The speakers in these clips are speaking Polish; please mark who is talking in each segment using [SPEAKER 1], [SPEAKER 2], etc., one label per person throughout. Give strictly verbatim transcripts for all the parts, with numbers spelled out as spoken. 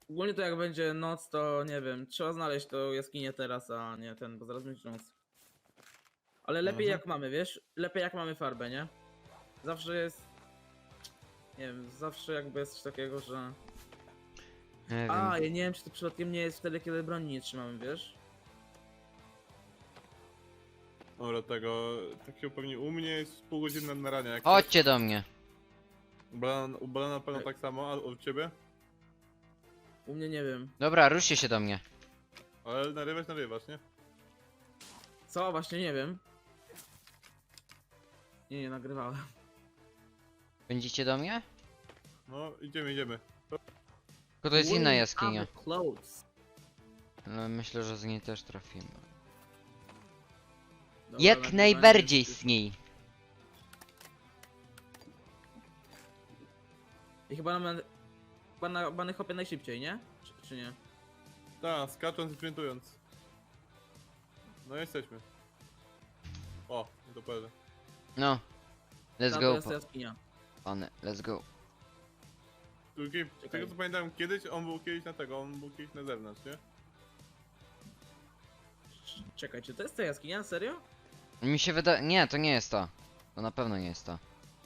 [SPEAKER 1] Ogólnie to jak będzie noc, to nie wiem, trzeba znaleźć tą jaskinię teraz, a nie ten, bo zaraz będzie noc. Ale lepiej
[SPEAKER 2] Mhm.
[SPEAKER 1] jak mamy, wiesz? Lepiej jak mamy farbę, nie? Zawsze jest... Nie wiem, zawsze jakby jest coś takiego, że...
[SPEAKER 3] Nie
[SPEAKER 1] A,
[SPEAKER 3] wiem.
[SPEAKER 1] ja nie wiem, czy to przypadkiem nie jest wtedy, kiedy broni nie trzymamy, wiesz?
[SPEAKER 2] Dobra, tego... Takiego pewnie u mnie jest pół godziny na narania. Jak
[SPEAKER 3] Chodźcie do mnie.
[SPEAKER 2] U Balana, u Balana na pewno tak samo, a u ciebie?
[SPEAKER 1] U mnie nie wiem.
[SPEAKER 3] Dobra, ruszcie się do mnie.
[SPEAKER 2] Ale narywać, narywasz, nie?
[SPEAKER 1] Co? Właśnie nie wiem. Nie, nie nagrywałem.
[SPEAKER 3] Będziecie do mnie?
[SPEAKER 2] No, idziemy, idziemy.
[SPEAKER 3] Tylko to jest inna
[SPEAKER 1] Wait,
[SPEAKER 3] jaskinia.
[SPEAKER 1] I'm close.
[SPEAKER 3] Ale myślę, że z niej też trafimy.
[SPEAKER 1] Dobra,
[SPEAKER 3] Jak
[SPEAKER 1] nagrywanie
[SPEAKER 3] najbardziej
[SPEAKER 1] jest-
[SPEAKER 3] z niej.
[SPEAKER 1] I chyba na... Chyba na bany hopie najszybciej, nie? Czy, czy nie?
[SPEAKER 2] Tak, skacząc i sprintując. No jesteśmy. O, to pewnie.
[SPEAKER 3] No. Let's
[SPEAKER 1] Ta, to
[SPEAKER 3] go,
[SPEAKER 1] jest
[SPEAKER 3] pa-
[SPEAKER 1] jaskinia.
[SPEAKER 3] pany. Let's go.
[SPEAKER 2] Drugi,
[SPEAKER 1] Czekaj.
[SPEAKER 2] tego co pamiętam kiedyś, on był kiedyś na tego, on był kiedyś na zewnątrz, nie?
[SPEAKER 1] Czekaj, czy to jest ta jaskinia? Serio?
[SPEAKER 3] Mi się wydaje... Nie, to nie jest to. To na pewno nie jest to.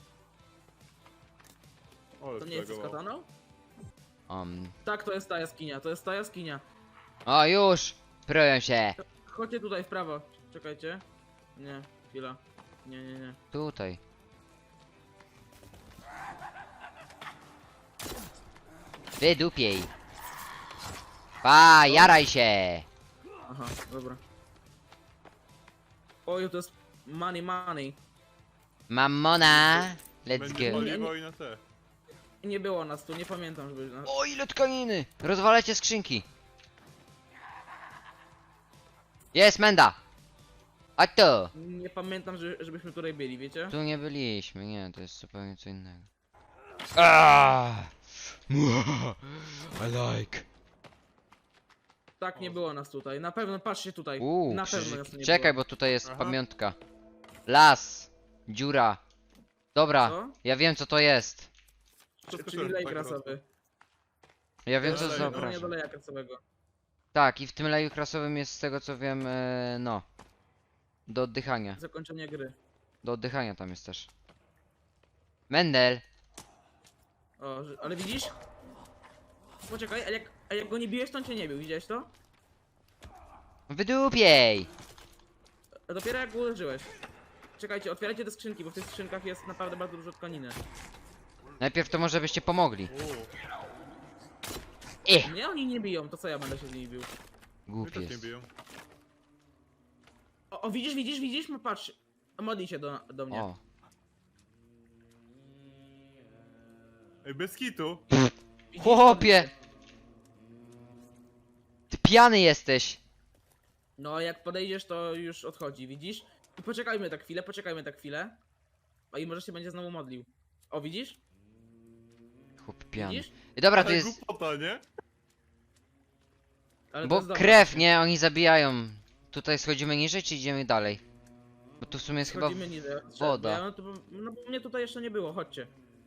[SPEAKER 2] O,
[SPEAKER 1] To nie jest to z
[SPEAKER 2] zlagowało.
[SPEAKER 1] kataną?
[SPEAKER 3] Um.
[SPEAKER 1] Tak, to jest ta jaskinia, to jest ta jaskinia.
[SPEAKER 3] O, już! Proję się!
[SPEAKER 1] Chodźcie tutaj w prawo. Czekajcie. Nie, chwila. Nie, nie, nie.
[SPEAKER 3] Tutaj. Wydupiej! Pa, jaraj się!
[SPEAKER 1] Aha, dobra. Oj, to jest money, money.
[SPEAKER 3] Mamona! Let's
[SPEAKER 2] Będzie
[SPEAKER 3] go.
[SPEAKER 2] paliwo i na te.
[SPEAKER 1] Nie było nas tu, nie pamiętam, żeby... na-
[SPEAKER 3] O, ile tkaniny! Rozwalajcie skrzynki! Jest menda! A to!
[SPEAKER 1] Nie pamiętam, że, żebyśmy tutaj byli, wiecie?
[SPEAKER 3] Tu nie byliśmy, nie, to jest zupełnie co innego. Ah! I like.
[SPEAKER 1] Tak, nie było nas tutaj. Na pewno, patrzcie tutaj.
[SPEAKER 3] Uuu,
[SPEAKER 1] Na pewno
[SPEAKER 3] krzyżyk.
[SPEAKER 1] nas tu nie
[SPEAKER 3] Czekaj,
[SPEAKER 1] było.
[SPEAKER 3] bo tutaj jest
[SPEAKER 2] Aha.
[SPEAKER 3] pamiątka. Las. Dziura. Dobra,
[SPEAKER 1] Co?
[SPEAKER 3] ja wiem co to jest.
[SPEAKER 1] Czy,
[SPEAKER 2] To
[SPEAKER 1] czyli lej
[SPEAKER 2] tak
[SPEAKER 1] krasowy.
[SPEAKER 3] Ja wiem
[SPEAKER 2] To
[SPEAKER 3] co
[SPEAKER 2] jest
[SPEAKER 3] to
[SPEAKER 2] lej,
[SPEAKER 1] Nie do
[SPEAKER 3] zapraszam.
[SPEAKER 1] leja krasowego.
[SPEAKER 3] Tak, i w tym leju krasowym jest z tego co wiem, e, no. Do oddychania.
[SPEAKER 1] Zakończenie gry.
[SPEAKER 3] Do oddychania tam jest też. Mendel.
[SPEAKER 1] O, że- ale widzisz? Poczekaj, a jak, a jak go nie biłeś, to on cię nie bił, widziałeś to?
[SPEAKER 3] Wydupiej!
[SPEAKER 1] A dopiero jak go uderzyłeś. Czekajcie, otwierajcie te skrzynki, bo w tych skrzynkach jest naprawdę bardzo dużo tkaniny.
[SPEAKER 3] Najpierw to może byście pomogli.
[SPEAKER 2] Uuu,
[SPEAKER 3] Eh!
[SPEAKER 1] Nie, oni nie biją, to co ja będę się z nimi bił?
[SPEAKER 2] mnie
[SPEAKER 3] Głupi
[SPEAKER 2] też nie
[SPEAKER 3] jest.
[SPEAKER 2] biją.
[SPEAKER 1] O, o widzisz, widzisz, widzisz? No patrz. Modli się do, do mnie.
[SPEAKER 3] O.
[SPEAKER 2] Ej, bez kitu.
[SPEAKER 1] Widzisz?
[SPEAKER 3] Chłopie! Ty pijany jesteś!
[SPEAKER 1] No, jak podejdziesz, to już odchodzi, widzisz? I poczekajmy tak chwilę, poczekajmy tak chwilę. O, i może się będzie znowu modlił. O, widzisz?
[SPEAKER 3] Chłop pijany.
[SPEAKER 1] Widzisz?
[SPEAKER 3] I dobra, to
[SPEAKER 2] Ale
[SPEAKER 3] jest...
[SPEAKER 2] głupota, nie?
[SPEAKER 1] Ale to
[SPEAKER 3] Bo
[SPEAKER 1] jest dobre.
[SPEAKER 3] krew, nie? Oni zabijają. Tutaj schodzimy niżej, czy idziemy dalej? Bo tu w sumie jest chyba
[SPEAKER 1] Schodzimy niżej.
[SPEAKER 3] woda.
[SPEAKER 1] Ja, no, to, no bo mnie tutaj jeszcze nie było, chodźcie.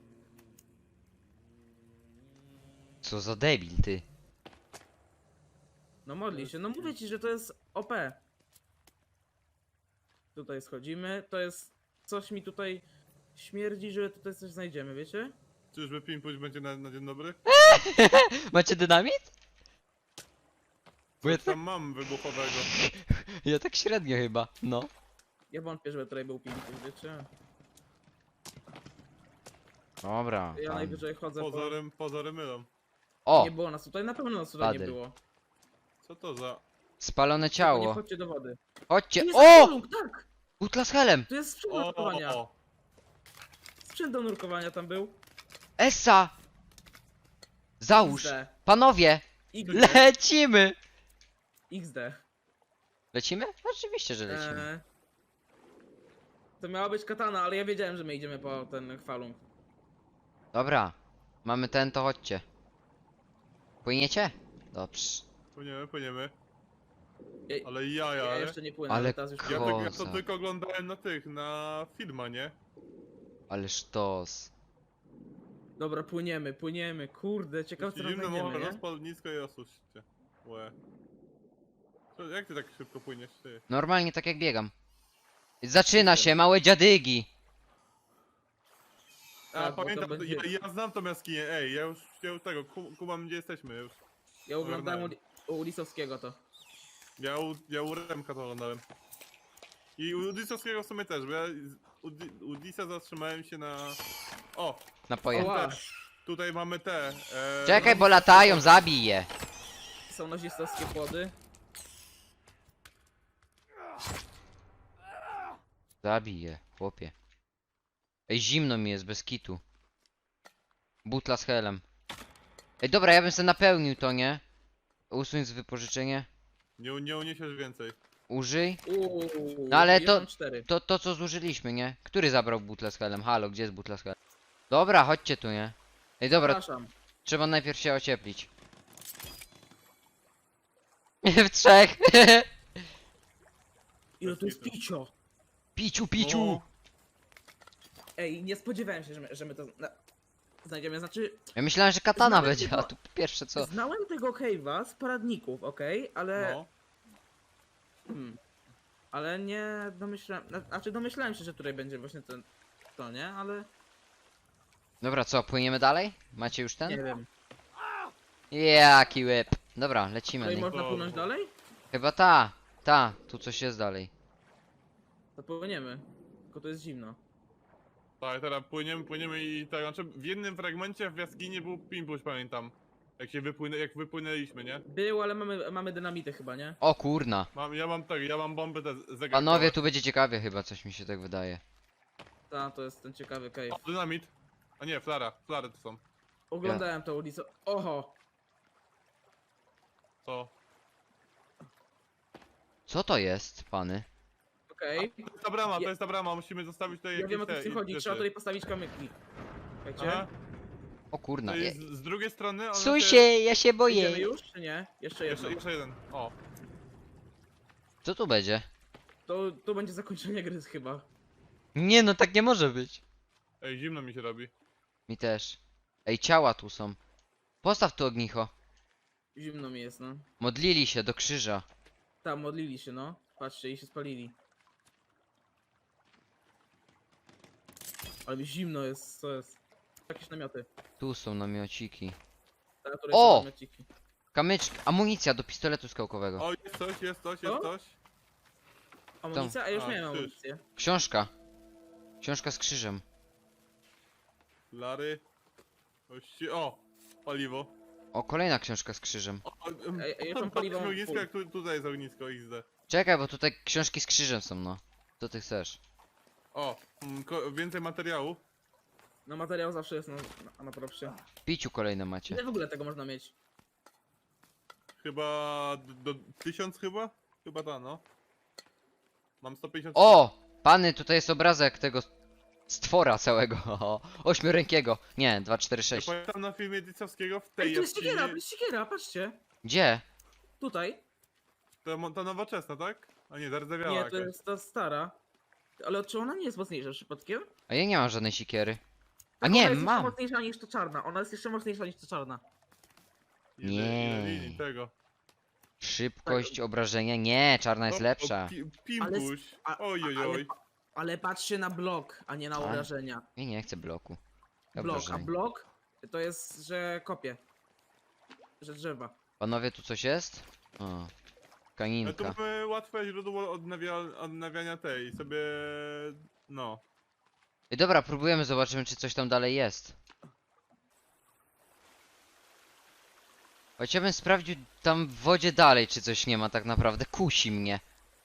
[SPEAKER 3] Co za debil, ty.
[SPEAKER 1] No modli się, no mówię ci, że to jest O P. Tutaj schodzimy, to jest... Coś mi tutaj śmierdzi, że tutaj coś znajdziemy, wiecie?
[SPEAKER 2] Czyżby pimpuś będzie na, na dzień dobry?
[SPEAKER 3] Macie dynamit? Bo ja
[SPEAKER 2] Coś tam mam wybuchowego.
[SPEAKER 3] Ja tak średnio chyba, no.
[SPEAKER 1] Ja wątpię, żeby tutaj był piękny, wiecie?
[SPEAKER 3] Dobra.
[SPEAKER 1] Ja
[SPEAKER 3] tam.
[SPEAKER 1] najwyżej chodzę
[SPEAKER 2] Pozorem, pozory mylą.
[SPEAKER 1] po...
[SPEAKER 3] O!
[SPEAKER 1] Nie było nas tutaj, na pewno nas tutaj nie
[SPEAKER 3] Padel.
[SPEAKER 1] było.
[SPEAKER 2] Co to za...
[SPEAKER 3] Spalone
[SPEAKER 1] Tylko nie
[SPEAKER 3] ciało.
[SPEAKER 1] chodźcie do wody.
[SPEAKER 3] Chodźcie.
[SPEAKER 1] Tu jest
[SPEAKER 3] O!
[SPEAKER 1] kolumn, tak!
[SPEAKER 3] Butla z helem.
[SPEAKER 1] Tu jest sprzęt do
[SPEAKER 2] O,
[SPEAKER 1] nurkowania.
[SPEAKER 2] o,
[SPEAKER 1] Sprzęt do nurkowania tam był.
[SPEAKER 3] Essa! Załóż.
[SPEAKER 1] X D.
[SPEAKER 3] Panowie!
[SPEAKER 1] X D.
[SPEAKER 3] Lecimy!
[SPEAKER 1] X D.
[SPEAKER 3] Lecimy? Oczywiście, że lecimy.
[SPEAKER 1] Eee, to miała być katana, ale ja wiedziałem, że my idziemy po ten chwalung.
[SPEAKER 3] Dobra. Mamy ten, to chodźcie. Płyniecie? Dobrze.
[SPEAKER 2] płyniemy, płyniemy.
[SPEAKER 1] Ja,
[SPEAKER 2] Ale jaja,
[SPEAKER 1] ja
[SPEAKER 2] ale...
[SPEAKER 1] jeszcze nie płynę,
[SPEAKER 3] Ale
[SPEAKER 1] ale teraz już
[SPEAKER 2] Ja,
[SPEAKER 3] ko-
[SPEAKER 2] tak, ja to
[SPEAKER 3] Koza.
[SPEAKER 2] tylko oglądałem na tych, na filmach, nie?
[SPEAKER 3] Ale sztos.
[SPEAKER 1] Dobra, płyniemy, płyniemy, kurde, ciekawe co
[SPEAKER 2] Jeśli
[SPEAKER 1] tam
[SPEAKER 2] zimno
[SPEAKER 1] znajdziemy,
[SPEAKER 2] może
[SPEAKER 1] nie?
[SPEAKER 2] rozpal nisko i osuszcie. Łe. Co, jak ty tak szybko płyniesz, ty?
[SPEAKER 3] Normalnie tak jak biegam. Zaczyna się, małe dziadygi.
[SPEAKER 2] A,
[SPEAKER 1] Tak, bo to
[SPEAKER 2] pamiętam,
[SPEAKER 1] będzie-
[SPEAKER 2] ja, ja znam tą jaskinię, ej, ja już, ja już tego, ku- kumam gdzie jesteśmy już.
[SPEAKER 1] Ja oglądałem u,
[SPEAKER 2] Oglądałem.
[SPEAKER 1] u Lisowskiego to.
[SPEAKER 2] Ja u, ja u Remka to oglądałem. I u Disowskiego w sumie też, bo ja z- u, Di- u Disa zatrzymałem się na... O!
[SPEAKER 3] Napoje.
[SPEAKER 1] Oła.
[SPEAKER 2] Te, tutaj mamy te... E,
[SPEAKER 3] Czekaj, bo latają, zabij je.
[SPEAKER 1] Są nazistowskie płody.
[SPEAKER 3] Zabij je, chłopie. Ej, zimno mi jest, bez kitu. Butla z helem. Ej, dobra, ja bym sobie napełnił to, nie? Usuń z wypożyczenie.
[SPEAKER 2] Nie, nie uniesiesz więcej.
[SPEAKER 3] Użyj.
[SPEAKER 1] Uuu,
[SPEAKER 3] No ale
[SPEAKER 1] ja
[SPEAKER 3] to-
[SPEAKER 1] mam cztery.
[SPEAKER 3] To, to co zużyliśmy, nie? Który zabrał butlę z helem? Halo, gdzie jest butla z helem? Dobra, chodźcie tu, nie? Ej, dobra,
[SPEAKER 1] Przepraszam.
[SPEAKER 3] trzeba najpierw się ocieplić. W trzech.
[SPEAKER 1] Ile tu jest
[SPEAKER 2] Bez kitu.
[SPEAKER 1] picio?
[SPEAKER 3] Piciu, piciu.
[SPEAKER 2] O,
[SPEAKER 1] Ej, nie spodziewałem się, że my, że my to zna znajdziemy. Znaczy,
[SPEAKER 3] Ja myślałem, że katana
[SPEAKER 1] Znałem
[SPEAKER 3] będzie, a
[SPEAKER 1] tego-
[SPEAKER 3] tu pierwsze co?
[SPEAKER 1] znałem tego cave'a z poradników, okej? Ale...
[SPEAKER 2] no.
[SPEAKER 1] Hmm. Ale nie domyślałem... na- Znaczy domyślałem się, że tutaj będzie właśnie ten... To, nie? Ale...
[SPEAKER 3] Dobra, co, płyniemy dalej? Macie już
[SPEAKER 1] Nie
[SPEAKER 3] ten?
[SPEAKER 1] wiem.
[SPEAKER 3] Jaki łeb. Dobra, lecimy.
[SPEAKER 1] Tutaj
[SPEAKER 3] nie?
[SPEAKER 1] można
[SPEAKER 2] Dobra.
[SPEAKER 1] płynąć dalej?
[SPEAKER 3] Chyba ta, ta, tu coś jest dalej.
[SPEAKER 1] To płyniemy. Tylko to jest zimno.
[SPEAKER 2] Tak, teraz płyniemy, płyniemy i tak, znaczy w jednym fragmencie w jaskini był pimpuś, pamiętam. Jak się wypłynę, jak wypłynęliśmy, nie?
[SPEAKER 1] Był, ale mamy, mamy dynamity chyba, nie?
[SPEAKER 3] O kurna.
[SPEAKER 2] Mam, ja mam tak, ja mam bomby te zegarkowe.
[SPEAKER 3] Panowie, tu będzie ciekawie chyba, coś mi się tak wydaje.
[SPEAKER 1] Ta, to jest ten ciekawy cave.
[SPEAKER 2] O, dynamit. A nie, flara, flary to są.
[SPEAKER 1] Oglądałem to ulicę. Oho!
[SPEAKER 2] Co?
[SPEAKER 3] Co to jest, pany?
[SPEAKER 1] Okej.
[SPEAKER 2] To jest ta brama,
[SPEAKER 1] Ja-
[SPEAKER 2] to jest ta brama, musimy zostawić tutaj
[SPEAKER 1] Ja
[SPEAKER 2] jakieś
[SPEAKER 1] wiem o co
[SPEAKER 2] te
[SPEAKER 1] w tym chodzi.
[SPEAKER 2] rzeczy.
[SPEAKER 1] Trzeba tutaj postawić kamyki. Wiecie?
[SPEAKER 2] Aha,
[SPEAKER 3] O kurna.
[SPEAKER 2] to
[SPEAKER 3] Je...
[SPEAKER 2] jest z, z drugiej strony ona
[SPEAKER 3] Psuj się, ja się
[SPEAKER 1] Idziemy
[SPEAKER 3] boję.
[SPEAKER 1] już, czy nie? Jeszcze jedno.
[SPEAKER 2] Jeszcze, jeszcze jeden, o.
[SPEAKER 3] Co tu będzie?
[SPEAKER 1] To, to będzie zakończenie gry chyba.
[SPEAKER 3] Nie no, tak nie może być.
[SPEAKER 2] Ej, zimno mi się robi.
[SPEAKER 3] Mi też. Ej, ciała tu są. Postaw tu ognicho.
[SPEAKER 1] Zimno mi jest, no.
[SPEAKER 3] Modlili się do krzyża.
[SPEAKER 1] Tam modlili się, no. Patrzcie, i się spalili. Ale mi zimno jest, co jest? Jakieś namioty.
[SPEAKER 3] Tu są namiociki.
[SPEAKER 1] Ta, tutaj
[SPEAKER 3] O!
[SPEAKER 1] są namiociki.
[SPEAKER 3] Kamyczki, amunicja do pistoletu skałkowego.
[SPEAKER 2] O, jest coś, jest coś,
[SPEAKER 1] Co?
[SPEAKER 2] jest coś.
[SPEAKER 1] Amunicja? A ja już
[SPEAKER 2] A,
[SPEAKER 1] miałem
[SPEAKER 2] krzyż.
[SPEAKER 1] amunicję.
[SPEAKER 3] Książka. Książka z krzyżem.
[SPEAKER 2] Flary. Ości... O! Paliwo.
[SPEAKER 3] O, kolejna książka z krzyżem.
[SPEAKER 2] O, em,
[SPEAKER 1] Ej, ej, ja
[SPEAKER 2] tam
[SPEAKER 1] mam paliwo
[SPEAKER 2] patrzmy ognisko,
[SPEAKER 1] full.
[SPEAKER 2] jak tu, tutaj jest ognisko X D.
[SPEAKER 3] Czekaj, bo tutaj książki z krzyżem są, no. Co ty chcesz?
[SPEAKER 2] O, mm, ko- więcej materiału.
[SPEAKER 1] No materiał zawsze jest na, na, na propsie.
[SPEAKER 3] W piciu kolejne macie.
[SPEAKER 1] Ile w ogóle tego można mieć?
[SPEAKER 2] Chyba do, do tysiąc chyba? Chyba ta, no. Mam sto pięćdziesiąt.
[SPEAKER 3] O! Pany, tutaj jest obrazek tego stwora całego. Ośmiorękiego. Nie, dwa, cztery,
[SPEAKER 2] Ja
[SPEAKER 3] sześć.
[SPEAKER 2] pamiętam na filmie Dicowskiego w tej
[SPEAKER 1] Ej, tu jest
[SPEAKER 2] jaskini.
[SPEAKER 1] siekiera, tu jest siekiera, patrzcie.
[SPEAKER 3] Gdzie?
[SPEAKER 1] Tutaj.
[SPEAKER 2] Ta, mo- ta nowoczesna, tak? A nie, zardzewiała
[SPEAKER 1] Nie,
[SPEAKER 2] jakaś.
[SPEAKER 1] to jest ta stara. Ale czy ona nie jest mocniejsza przypadkiem?
[SPEAKER 3] A ja nie mam żadnej sikiery. A
[SPEAKER 1] Tak,
[SPEAKER 3] nie,
[SPEAKER 1] ona jest
[SPEAKER 3] mam.
[SPEAKER 1] jeszcze mocniejsza niż ta czarna. Ona jest jeszcze mocniejsza niż ta czarna.
[SPEAKER 2] Ile,
[SPEAKER 3] Nie.
[SPEAKER 2] ile linii tego.
[SPEAKER 3] Szybkość obrażenia? Nie, czarna jest
[SPEAKER 2] O,
[SPEAKER 3] lepsza.
[SPEAKER 2] O, pi, pimpuś.
[SPEAKER 1] a-
[SPEAKER 2] Oj, oj,
[SPEAKER 1] Ale,
[SPEAKER 2] oj.
[SPEAKER 1] ale patrzcie na blok, a nie na
[SPEAKER 3] A.
[SPEAKER 1] obrażenia.
[SPEAKER 3] Ja nie chcę bloku.
[SPEAKER 1] Blok, a
[SPEAKER 3] Obrażeń.
[SPEAKER 1] blok to jest, że kopie. Że drzewa.
[SPEAKER 3] Panowie, tu coś jest? O.
[SPEAKER 2] Ale tu
[SPEAKER 3] Kaninka.
[SPEAKER 2] mamy łatwe źródło odnawia, odnawiania tej, sobie... No.
[SPEAKER 3] I dobra, próbujemy, zobaczymy, czy coś tam dalej jest. Choć ja bym sprawdził tam w wodzie dalej, czy coś nie ma tak naprawdę. Kusi mnie.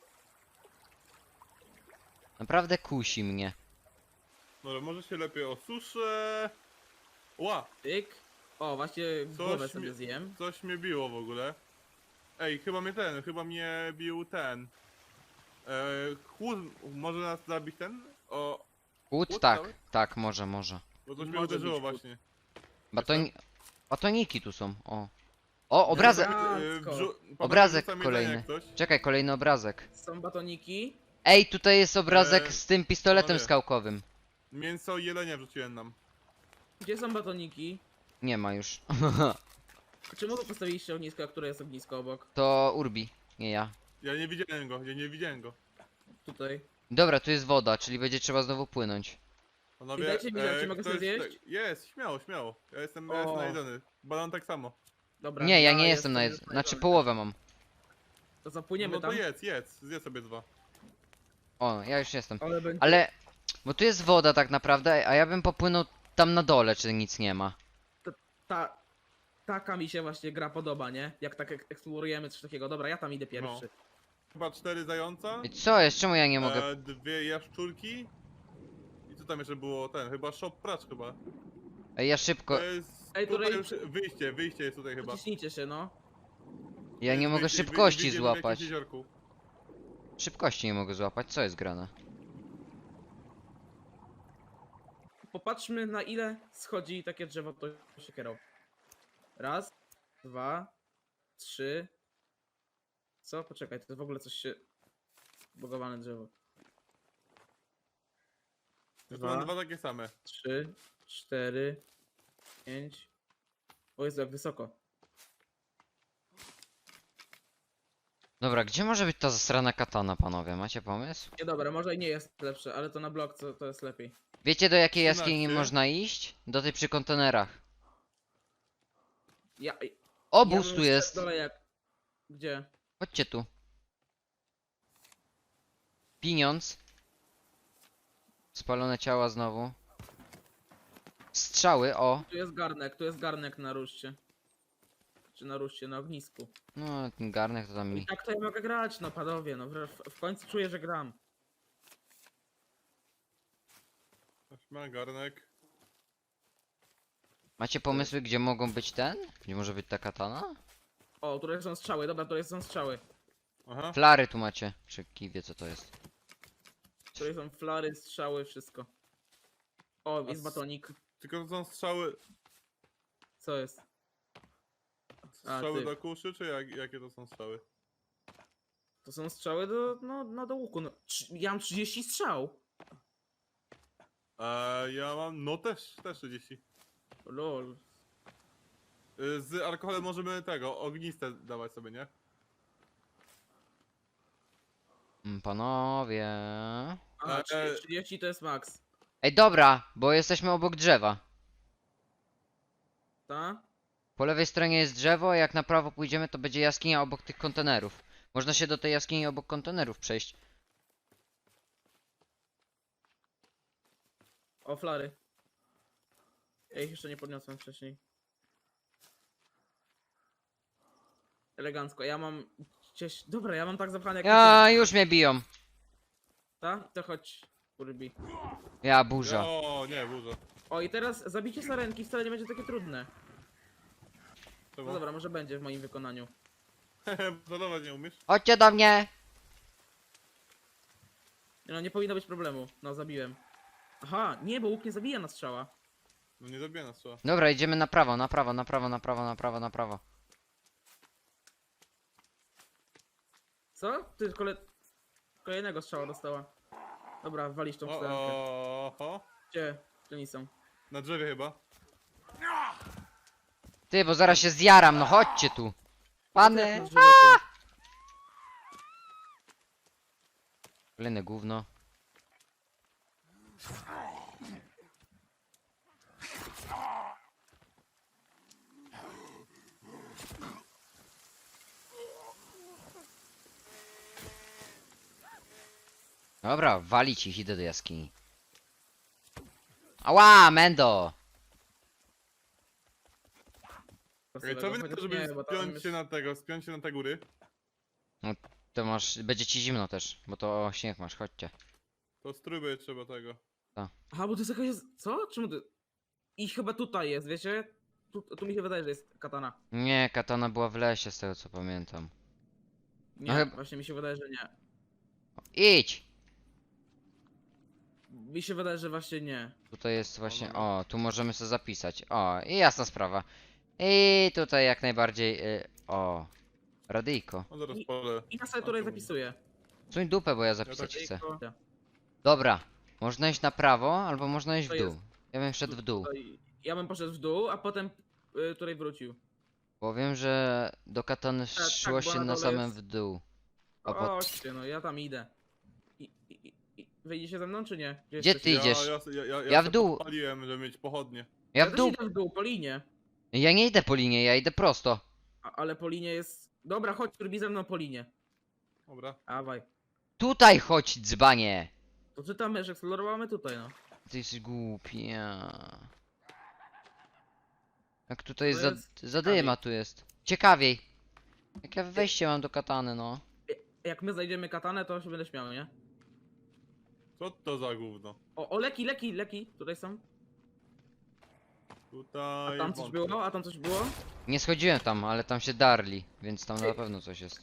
[SPEAKER 3] Naprawdę kusi mnie.
[SPEAKER 2] Dobra, może się lepiej osuszę. Ła!
[SPEAKER 1] Tyk. O, właśnie głowę
[SPEAKER 2] mi-
[SPEAKER 1] sobie zjem.
[SPEAKER 2] Coś mnie biło w ogóle. Ej, chyba mnie ten, chyba mnie bił ten. E, chłód, może nas zabić ten? O,
[SPEAKER 3] Chłód?
[SPEAKER 2] Chłód
[SPEAKER 3] Tak,
[SPEAKER 2] cały?
[SPEAKER 3] tak, może, może.
[SPEAKER 2] bo coś mnie
[SPEAKER 1] Może
[SPEAKER 2] uderzyło
[SPEAKER 1] być chłód.
[SPEAKER 2] właśnie.
[SPEAKER 3] Batoni... Batoniki tu są, o. O, obrazek!
[SPEAKER 1] Dobra.
[SPEAKER 2] E,
[SPEAKER 1] Elegancko.
[SPEAKER 2] wrzu- panowie,
[SPEAKER 3] Obrazek
[SPEAKER 2] rzucam
[SPEAKER 3] kolejny.
[SPEAKER 2] jedzenie jak coś.
[SPEAKER 3] Czekaj, kolejny obrazek.
[SPEAKER 1] Są batoniki.
[SPEAKER 3] Ej, tutaj jest obrazek
[SPEAKER 2] Eee,
[SPEAKER 3] z tym pistoletem
[SPEAKER 2] panowie.
[SPEAKER 3] skałkowym.
[SPEAKER 2] Mięso i jelenia wrzuciłem nam.
[SPEAKER 1] Gdzie są batoniki?
[SPEAKER 3] Nie ma już.
[SPEAKER 1] Czemu wy postawiliście ognisko, a które jest ognisko obok?
[SPEAKER 3] To Urbi, nie ja.
[SPEAKER 2] Ja nie widziałem go, ja nie widziałem go.
[SPEAKER 1] Tutaj.
[SPEAKER 3] Dobra, tu jest woda, czyli będzie trzeba znowu płynąć.
[SPEAKER 2] Panowie,
[SPEAKER 1] I dajcie mi znać, czy mogę
[SPEAKER 2] ktoś
[SPEAKER 1] sobie
[SPEAKER 2] tutaj-
[SPEAKER 1] zjeść?
[SPEAKER 2] Jest, śmiało, śmiało. Ja jestem, ja
[SPEAKER 1] O.
[SPEAKER 2] jestem najedzony. Banan tak samo.
[SPEAKER 1] Dobra.
[SPEAKER 3] Nie, ja nie jestem na
[SPEAKER 1] już
[SPEAKER 3] jed... Znaczy
[SPEAKER 1] najgorzej.
[SPEAKER 3] połowę mam.
[SPEAKER 1] To zapłyniemy
[SPEAKER 2] No to
[SPEAKER 1] tam.
[SPEAKER 2] jedz, jedz, zjedz sobie dwa.
[SPEAKER 3] O, ja już jestem.
[SPEAKER 1] Ale będzie...
[SPEAKER 3] Ale... Bo tu jest woda tak naprawdę, a ja bym popłynął tam na dole, czy nic nie ma.
[SPEAKER 1] Ta... Taka mi się właśnie gra podoba, nie? Jak tak ek- eksplorujemy coś takiego. Dobra, ja tam idę pierwszy.
[SPEAKER 2] Chyba cztery zająca.
[SPEAKER 3] I co jest? Czemu ja nie mogę?
[SPEAKER 2] E, dwie jaszczurki. I co tam jeszcze było? Ten, chyba shop pracz chyba.
[SPEAKER 3] Ej, ja szybko...
[SPEAKER 2] To jest,
[SPEAKER 1] Ej,
[SPEAKER 2] tutaj
[SPEAKER 1] tutaj-
[SPEAKER 2] już wyjście, wyjście jest tutaj chyba.
[SPEAKER 1] Przyciśnijcie się, no.
[SPEAKER 3] Ja nie
[SPEAKER 2] Jest
[SPEAKER 3] mogę
[SPEAKER 2] wyjście, wy-
[SPEAKER 3] szybkości
[SPEAKER 2] wyjdziemy w jakimś
[SPEAKER 3] złapać.
[SPEAKER 2] jeziorku.
[SPEAKER 3] Szybkości nie mogę złapać, co jest grane?
[SPEAKER 1] Popatrzmy na ile schodzi takie drzewo to siekierą. Raz, dwa, trzy. Co? Poczekaj, to jest w ogóle coś się... Bogowane drzewo.
[SPEAKER 2] Ja tu mam
[SPEAKER 1] Dwa.
[SPEAKER 2] dwa takie same.
[SPEAKER 1] Trzy, cztery, pięć. O Jezu, jak wysoko.
[SPEAKER 3] Dobra, gdzie może być ta zasrana katana, panowie? Macie pomysł?
[SPEAKER 1] Nie dobra, może i nie jest lepsze, ale to na blok to, to jest lepiej.
[SPEAKER 3] Wiecie do jakiej jaskini
[SPEAKER 2] trzynaście.
[SPEAKER 3] można iść? Do tej przy kontenerach.
[SPEAKER 1] Ja, ja
[SPEAKER 3] Obóz
[SPEAKER 1] bym
[SPEAKER 3] tu
[SPEAKER 1] szedł
[SPEAKER 3] jest!
[SPEAKER 1] Dole jak... Gdzie?
[SPEAKER 3] Chodźcie tu. Pieniądz. Spalone ciała znowu. Strzały, o.
[SPEAKER 1] Tu jest garnek, tu jest garnek na ruszcie. Czy na ruszcie, na ognisku.
[SPEAKER 3] No, ten garnek to tam
[SPEAKER 1] I
[SPEAKER 3] mi...
[SPEAKER 1] tak to ja mogę grać, no panowie, no w, w końcu czuję, że gram.
[SPEAKER 2] Ma garnek.
[SPEAKER 3] Macie pomysły, gdzie mogą być ten? Gdzie może być ta katana?
[SPEAKER 1] O, tutaj są strzały, dobra, tutaj są strzały.
[SPEAKER 2] Aha.
[SPEAKER 3] Flary tu macie. Czy kij wie co to jest?
[SPEAKER 1] Tutaj są flary, strzały, wszystko. O, jest
[SPEAKER 2] s-
[SPEAKER 1] batonik.
[SPEAKER 2] Tylko to są strzały,
[SPEAKER 1] Co jest?
[SPEAKER 2] strzały
[SPEAKER 1] ty.
[SPEAKER 2] do kuszy, czy jak, jakie to są strzały?
[SPEAKER 1] To są strzały do, no, no do łuku. No, trz- ja mam trzydzieści strzał.
[SPEAKER 2] A ja mam, no też, też trzydzieści.
[SPEAKER 1] Lol.
[SPEAKER 2] Y, Z alkoholem możemy tego, ogniste dawać sobie, nie?
[SPEAKER 3] Mm, Panowie...
[SPEAKER 1] Aha,
[SPEAKER 2] E,
[SPEAKER 1] trzydzieści, trzydzieści to jest max.
[SPEAKER 3] Ej, dobra, bo jesteśmy obok drzewa.
[SPEAKER 1] Ta?
[SPEAKER 3] Po lewej stronie jest drzewo, a jak na prawo pójdziemy, to będzie jaskinia obok tych kontenerów. Można się do tej jaskini obok kontenerów przejść.
[SPEAKER 1] O, flary. Ja ich jeszcze nie podniosłem wcześniej. Elegancko, ja mam gdzieś... Dobra, ja mam tak zapchane jak...
[SPEAKER 3] Ja, już mnie biją.
[SPEAKER 1] Ta? To chodź, Urbi.
[SPEAKER 3] Ja, burza.
[SPEAKER 2] O, nie, burza.
[SPEAKER 1] O, i teraz zabicie sarenki wcale nie będzie takie trudne.
[SPEAKER 2] Czemu?
[SPEAKER 1] No dobra, może będzie w moim wykonaniu.
[SPEAKER 2] Zadawać nie umiesz?
[SPEAKER 3] Chodźcie do mnie!
[SPEAKER 1] Nie, No, nie powinno być problemu. No, zabiłem. Aha, nie, bo łuk nie zabija na strzała.
[SPEAKER 2] No nie zabija nas trzeba.
[SPEAKER 3] Dobra, idziemy na prawo, na prawo, na prawo, na prawo, na prawo, na prawo.
[SPEAKER 1] Co? Ty kole... kolejnego strzała dostała. Dobra, walisz tą
[SPEAKER 2] O,
[SPEAKER 1] sarenkę.
[SPEAKER 2] o, o,
[SPEAKER 1] Gdzie? Gdzie oni są?
[SPEAKER 2] na drzewie chyba.
[SPEAKER 3] Ty, bo zaraz się zjaram, no chodźcie tu.
[SPEAKER 1] Jak
[SPEAKER 3] Pany!
[SPEAKER 1] na drzewie ty?
[SPEAKER 3] Kolejne gówno. Dobra, walić ich, idę do jaskini. Ała, Mendo!
[SPEAKER 2] Ej, co wy na to,
[SPEAKER 1] Chociaż
[SPEAKER 2] żeby
[SPEAKER 1] nie, bo tam
[SPEAKER 2] spiąć
[SPEAKER 1] jest-
[SPEAKER 2] się na tego, spiąć się na te góry?
[SPEAKER 3] To masz, będzie ci zimno też, bo to śnieg masz, chodźcie.
[SPEAKER 2] To strójby trzeba tego.
[SPEAKER 1] Aha, bo to jest jakaś... Co? Czemu ty... I chyba tutaj jest, wiecie? Tu, tu mi się wydaje, że jest katana.
[SPEAKER 3] Nie, katana była w lesie, z tego co pamiętam.
[SPEAKER 1] Nie,
[SPEAKER 3] No chyba-
[SPEAKER 1] właśnie mi się wydaje, że nie.
[SPEAKER 3] Idź!
[SPEAKER 1] Mi się wydaje, że właśnie nie.
[SPEAKER 3] Tutaj jest właśnie,
[SPEAKER 2] dobra.
[SPEAKER 3] o, tu możemy sobie zapisać. O, i jasna sprawa. I tutaj jak najbardziej, y, o, radyjko.
[SPEAKER 2] No zaraz
[SPEAKER 1] I-
[SPEAKER 2] pole.
[SPEAKER 1] I ja sobie tutaj zapisuję.
[SPEAKER 3] Suń dupę, bo ja zapisać
[SPEAKER 2] tak-
[SPEAKER 3] chcę.
[SPEAKER 1] Tylko-
[SPEAKER 3] Dobra, można iść na prawo, albo można iść w
[SPEAKER 1] To
[SPEAKER 3] dół.
[SPEAKER 1] jest-
[SPEAKER 3] Ja bym szedł w dół.
[SPEAKER 1] Tutaj- Ja bym poszedł w dół, a potem y, tutaj wrócił.
[SPEAKER 3] Powiem, że do katany
[SPEAKER 1] tak,
[SPEAKER 3] szło
[SPEAKER 1] bo
[SPEAKER 3] się
[SPEAKER 1] na
[SPEAKER 3] na
[SPEAKER 1] dole
[SPEAKER 3] samym
[SPEAKER 1] jest-
[SPEAKER 3] w dół. A
[SPEAKER 1] O,
[SPEAKER 3] pot-
[SPEAKER 1] chodźcie, no ja tam idę. I, i, i, i, wyjdziecie ze mną, czy nie?
[SPEAKER 3] Gdzie
[SPEAKER 1] jesteście?
[SPEAKER 3] ty idziesz?
[SPEAKER 2] Ja, ja, ja, ja,
[SPEAKER 3] Ja w
[SPEAKER 2] se
[SPEAKER 3] dół.
[SPEAKER 2] podpaliłem, żeby mieć pochodnie.
[SPEAKER 3] Ja w
[SPEAKER 1] też
[SPEAKER 3] dół.
[SPEAKER 1] idę w dół, po linie.
[SPEAKER 3] Ja nie idę po linie, ja idę prosto.
[SPEAKER 1] A, ale po linie jest... Dobra, chodź, robi ze mną po linie.
[SPEAKER 2] Dobra.
[SPEAKER 1] Dawaj.
[SPEAKER 3] Tutaj chodź, dzbanie!
[SPEAKER 1] To czytamy, że eksplorowamy tutaj, no.
[SPEAKER 3] Ty jesteś głupia. Jak tutaj
[SPEAKER 1] To
[SPEAKER 3] za,
[SPEAKER 1] jest
[SPEAKER 3] zadyma tu jest. Ciekawiej. Jak ja wejście mam do katany, no.
[SPEAKER 1] Jak my znajdziemy katanę, to się będę śmiał, nie?
[SPEAKER 2] Co to za gówno?
[SPEAKER 1] O, o, leki, leki, leki, tutaj są.
[SPEAKER 2] Tutaj...
[SPEAKER 1] A tam coś
[SPEAKER 2] wątpię.
[SPEAKER 1] było? A tam coś było?
[SPEAKER 3] Nie schodziłem tam, ale tam się darli, więc tam na pewno coś jest.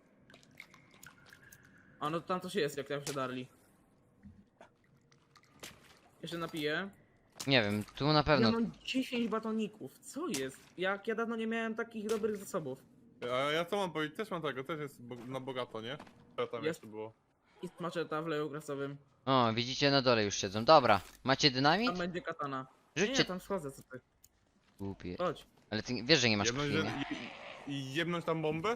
[SPEAKER 1] A no tam coś jest, jak tam się darli. Jeszcze napiję.
[SPEAKER 3] Nie wiem, tu na
[SPEAKER 1] Ja
[SPEAKER 3] pewno.
[SPEAKER 1] mam dziesięć batoników, co jest? Jak ja dawno nie miałem takich dobrych zasobów.
[SPEAKER 2] A ja co mam powiedzieć? Też mam tego, też jest bo na bogato, nie? Co tam
[SPEAKER 1] Jest.
[SPEAKER 2] jeszcze było?
[SPEAKER 1] I maczeta w leju grasowym.
[SPEAKER 3] O, widzicie, na dole już siedzą. Dobra, macie dynamit?
[SPEAKER 1] Tam będzie katana. Nie,
[SPEAKER 3] Rzućcie.
[SPEAKER 1] nie, tam schodzę, co ty.
[SPEAKER 3] Głupie.
[SPEAKER 1] Chodź.
[SPEAKER 3] Ale ty wiesz, że nie masz
[SPEAKER 2] Jebnąć,
[SPEAKER 3] krwi,
[SPEAKER 2] że-
[SPEAKER 3] nie?
[SPEAKER 2] i, I jebnąć tam bombę?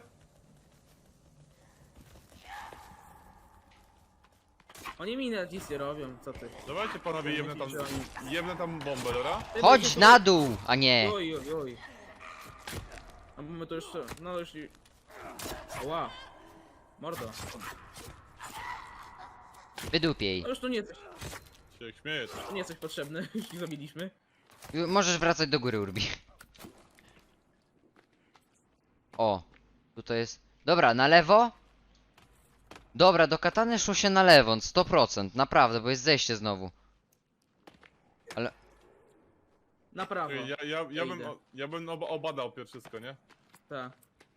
[SPEAKER 1] Oni mi nawet nic nie robią, co ty.
[SPEAKER 2] Dawajcie panowie, jebnę tam, jebnę tam bombę, dobra?
[SPEAKER 1] Ty
[SPEAKER 3] Chodź
[SPEAKER 1] będziesz-
[SPEAKER 3] na dół, a nie.
[SPEAKER 1] Oj, oj, oj. No bo my to już, no już... i- Ła. Mordo.
[SPEAKER 3] Wydupiej.
[SPEAKER 1] No już tu nie jesteś,
[SPEAKER 2] Się jak śmiejesz.
[SPEAKER 1] tu nie jesteś potrzebny, już ich zabiliśmy.
[SPEAKER 3] Możesz wracać do góry, Urbi. O, tutaj jest. Dobra, na lewo. Dobra, do katany szło się na lewo, sto procent, naprawdę, bo jest zejście znowu.
[SPEAKER 1] Na prawo.
[SPEAKER 2] Ja, ja, ja, ja bym,
[SPEAKER 1] idę.
[SPEAKER 2] o- ja bym oba- obadał pierwsze wszystko, nie?
[SPEAKER 1] Tak.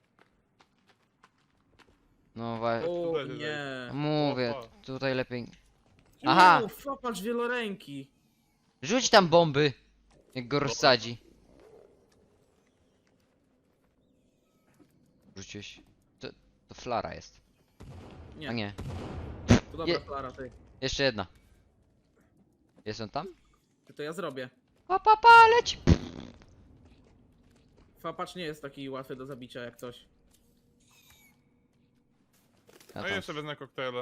[SPEAKER 3] No właśnie,
[SPEAKER 1] O
[SPEAKER 2] tutaj się
[SPEAKER 1] nie.
[SPEAKER 3] mówię,
[SPEAKER 2] Opa.
[SPEAKER 3] tutaj lepiej. Aha.
[SPEAKER 1] Aha. Fapacz wieloręki.
[SPEAKER 3] Rzuć tam bomby, jak go rozsadzi. Rzuciłeś. To, to flara jest.
[SPEAKER 1] Nie,
[SPEAKER 3] A nie,
[SPEAKER 1] to dobra
[SPEAKER 3] Je-
[SPEAKER 1] Klara, ty.
[SPEAKER 3] jeszcze jedna. Jest on tam?
[SPEAKER 1] Ty to ja zrobię.
[SPEAKER 3] Pa, pa, pa, leć!
[SPEAKER 1] Fapacz nie jest taki łatwy do zabicia jak coś.
[SPEAKER 3] A
[SPEAKER 2] A
[SPEAKER 3] tam.
[SPEAKER 2] jeszcze wezmę koktajle.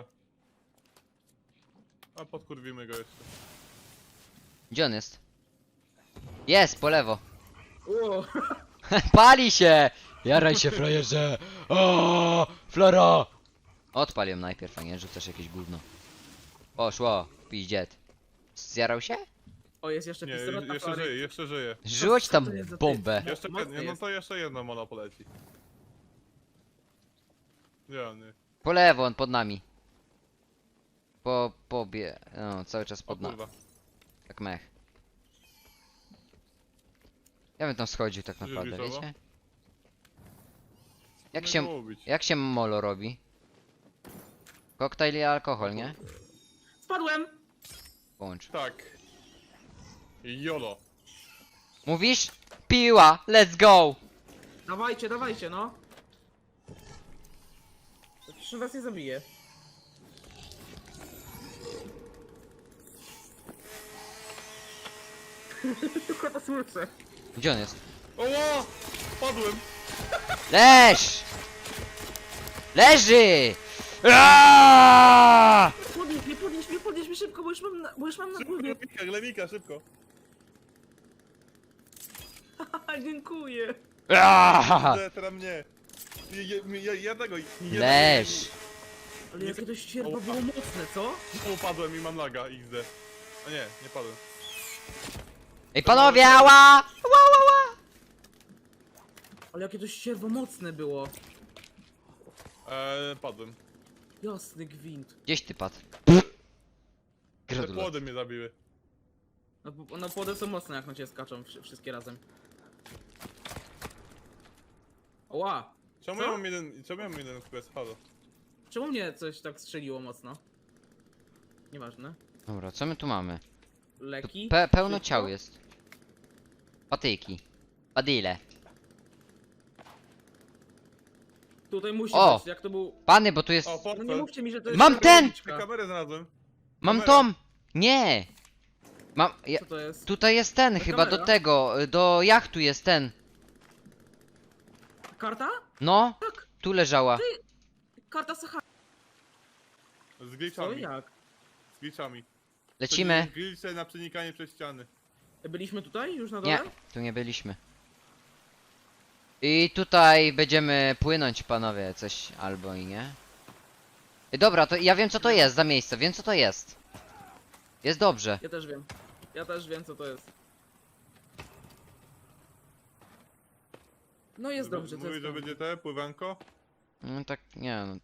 [SPEAKER 2] A podkurwimy go jeszcze.
[SPEAKER 3] Gdzie on jest? Jest, po lewo.
[SPEAKER 1] O,
[SPEAKER 3] Pali się! Jaraj się, frajerze! O, flora! Odpal ją najpierw, a nie rzucasz jakieś gówno. Poszło, piździet. Zjarał się?
[SPEAKER 1] o jest jeszcze
[SPEAKER 2] Nie,
[SPEAKER 1] pistolet na
[SPEAKER 2] jeszcze
[SPEAKER 1] Flary.
[SPEAKER 2] żyje, jeszcze żyje.
[SPEAKER 3] Rzuć
[SPEAKER 1] co
[SPEAKER 3] tam
[SPEAKER 1] to jest za
[SPEAKER 3] bombę.
[SPEAKER 1] typ?
[SPEAKER 2] Jeszcze,
[SPEAKER 1] mocny
[SPEAKER 2] jed- no
[SPEAKER 1] jest.
[SPEAKER 2] to jeszcze jedno mono poleci. Nie, nie.
[SPEAKER 3] Po lewo, on pod nami. Po, pobie... No, cały czas
[SPEAKER 2] O
[SPEAKER 3] pod nami.
[SPEAKER 2] kurwa.
[SPEAKER 3] Jak mech. Ja bym tam schodził tak
[SPEAKER 2] Już
[SPEAKER 3] naprawdę,
[SPEAKER 2] widziało?
[SPEAKER 3] wiecie? Jak
[SPEAKER 2] Nie
[SPEAKER 3] się...
[SPEAKER 2] było bić.
[SPEAKER 3] Jak się molo robi? Koktajl i alkohol, nie?
[SPEAKER 1] Spadłem!
[SPEAKER 3] Połącz.
[SPEAKER 2] Tak. Jolo.
[SPEAKER 3] Mówisz? Piła! Let's go!
[SPEAKER 1] Dawajcie, dawajcie, no. Przecież was nie zabije. Tylko to słyszę.
[SPEAKER 3] Gdzie on jest?
[SPEAKER 2] Oła! Padłem!
[SPEAKER 3] Leż! Leży! Aaaa!
[SPEAKER 1] Podnieś mnie, podnieś mnie, podnieś mnie szybko, bo już mam na, bo już mam na
[SPEAKER 2] Szybko,
[SPEAKER 1] głowie.
[SPEAKER 2] Glemika, Glemika, szybko.
[SPEAKER 1] Haha, dziękuję.
[SPEAKER 3] Aaaa!
[SPEAKER 2] Te- Teraz mnie. Ja, ja, ja, ja tego... nie-
[SPEAKER 3] Leż!
[SPEAKER 1] Ale jakie to ścierwo było mocne, co?
[SPEAKER 2] Znowu padłem i mam laga, X D. A nie, nie padłem.
[SPEAKER 3] Ej panowie, ała! Ała, ała, ała!
[SPEAKER 1] Ale jakie to ścierwo mocne było.
[SPEAKER 2] Eee, padłem.
[SPEAKER 1] Jasny gwint.
[SPEAKER 3] Gdzieś ty padł.
[SPEAKER 2] Te
[SPEAKER 3] Gratulacje.
[SPEAKER 2] płody mnie zabiły.
[SPEAKER 1] No, bo- no płody są mocne, jak na ciebie skaczą wszy- wszystkie razem. Oła!
[SPEAKER 2] Czemu
[SPEAKER 1] Co?
[SPEAKER 2] ja mam jeden... Czemu ja mam jeden quest? Halo.
[SPEAKER 1] Czemu mnie coś tak strzeliło mocno? Nieważne.
[SPEAKER 3] Dobra, co my tu mamy? Tu
[SPEAKER 1] Leki?
[SPEAKER 3] pe pełno
[SPEAKER 1] Wszystko?
[SPEAKER 3] ciał jest. Patyki. Padyle.
[SPEAKER 1] Tutaj musi
[SPEAKER 3] O!
[SPEAKER 1] być, jak to był...
[SPEAKER 3] Pany, bo tu jest...
[SPEAKER 2] O,
[SPEAKER 1] No nie
[SPEAKER 2] portfel.
[SPEAKER 1] mówcie mi, że to jest...
[SPEAKER 3] Mam ten!
[SPEAKER 1] tabliczka.
[SPEAKER 2] Kamerę znalazłem.
[SPEAKER 3] Mam
[SPEAKER 2] kamera.
[SPEAKER 3] tom! Nie! Mam. Ja,
[SPEAKER 1] Co to jest?
[SPEAKER 3] tutaj jest ten,
[SPEAKER 1] To
[SPEAKER 3] chyba do
[SPEAKER 1] kamera?
[SPEAKER 3] tego. y, Do jachtu jest ten.
[SPEAKER 1] Karta?
[SPEAKER 3] No,
[SPEAKER 1] Tak,
[SPEAKER 3] tu leżała.
[SPEAKER 1] karta Sahara.
[SPEAKER 2] Z
[SPEAKER 1] Co,
[SPEAKER 2] glitchami.
[SPEAKER 1] jak?
[SPEAKER 2] Z glitchami.
[SPEAKER 3] Lecimy.
[SPEAKER 2] Czyli glitche na przenikanie przez ściany.
[SPEAKER 1] Byliśmy tutaj już na dole?
[SPEAKER 3] Nie, tu nie byliśmy. I tutaj będziemy płynąć, panowie, coś albo i nie. I dobra, to ja wiem co to jest za miejsce, wiem co to jest. Jest dobrze.
[SPEAKER 1] Ja też wiem. Ja też wiem co to jest. No jest dobrze, to
[SPEAKER 2] Mówisz,
[SPEAKER 1] jest
[SPEAKER 2] że
[SPEAKER 1] dobrze.
[SPEAKER 2] będzie te, pływanko?
[SPEAKER 3] No tak, nie no.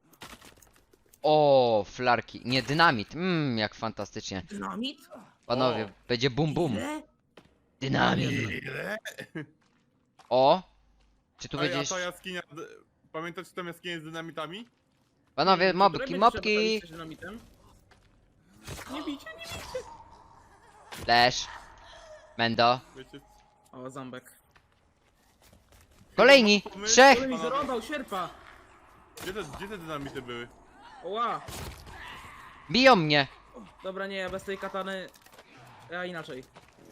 [SPEAKER 3] O, flarki. Nie, dynamit. Mmm, jak fantastycznie.
[SPEAKER 1] Dynamit?
[SPEAKER 3] Panowie,
[SPEAKER 2] O.
[SPEAKER 3] będzie bum bum.
[SPEAKER 1] Ile?
[SPEAKER 3] Dynamit.
[SPEAKER 2] Ile?
[SPEAKER 3] O! Czy tu
[SPEAKER 2] Ej, a
[SPEAKER 3] będziesz...
[SPEAKER 2] ta jaskinia... d- Pamiętacie tam jaskinię z dynamitami?
[SPEAKER 3] Panowie,
[SPEAKER 1] Czy
[SPEAKER 3] mobki,
[SPEAKER 1] której
[SPEAKER 3] mobki!
[SPEAKER 1] będziecie trzeba dynamitem? Nie bijcie, nie bijcie.
[SPEAKER 3] Flash. Mendo.
[SPEAKER 2] Wiecie?
[SPEAKER 1] O, zambek.
[SPEAKER 3] Kolejni!
[SPEAKER 2] Pomysł?
[SPEAKER 3] Trzech!
[SPEAKER 1] Ale mi zarąbał sierpa!
[SPEAKER 2] Gdzie te, gdzie te dynamity były?
[SPEAKER 1] Oła!
[SPEAKER 3] Biją mnie!
[SPEAKER 1] Dobra, nie, ja bez tej katany... Ja inaczej.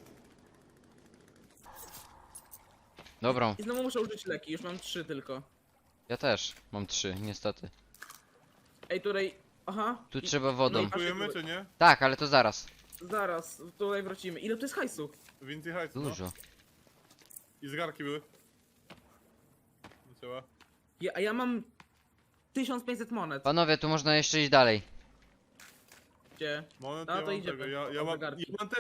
[SPEAKER 3] Dobrą.
[SPEAKER 1] I znowu muszę użyć leki, już mam trzy tylko.
[SPEAKER 3] Ja też. Mam trzy, niestety.
[SPEAKER 1] Ej, tutaj... Aha.
[SPEAKER 3] Tu
[SPEAKER 1] I-
[SPEAKER 3] trzeba
[SPEAKER 1] no
[SPEAKER 3] wodą.
[SPEAKER 1] i-
[SPEAKER 2] Kupujemy czy nie?
[SPEAKER 3] Tak, ale to zaraz.
[SPEAKER 1] Zaraz, tutaj wrócimy. Ile tu jest hajsu?
[SPEAKER 2] Więcej hajsu, no.
[SPEAKER 3] Dużo.
[SPEAKER 2] I zegarki były. Nie trzeba.
[SPEAKER 1] Ja, a ja mam... tysiąc pięćset monet.
[SPEAKER 3] Panowie, tu można jeszcze iść dalej.
[SPEAKER 1] Gdzie?
[SPEAKER 2] Moment,
[SPEAKER 1] No
[SPEAKER 2] ja
[SPEAKER 1] to
[SPEAKER 2] mam
[SPEAKER 1] idziemy.
[SPEAKER 2] tego. Ja, ja,
[SPEAKER 1] O,
[SPEAKER 2] mam,
[SPEAKER 1] zegarki.
[SPEAKER 2] ja mam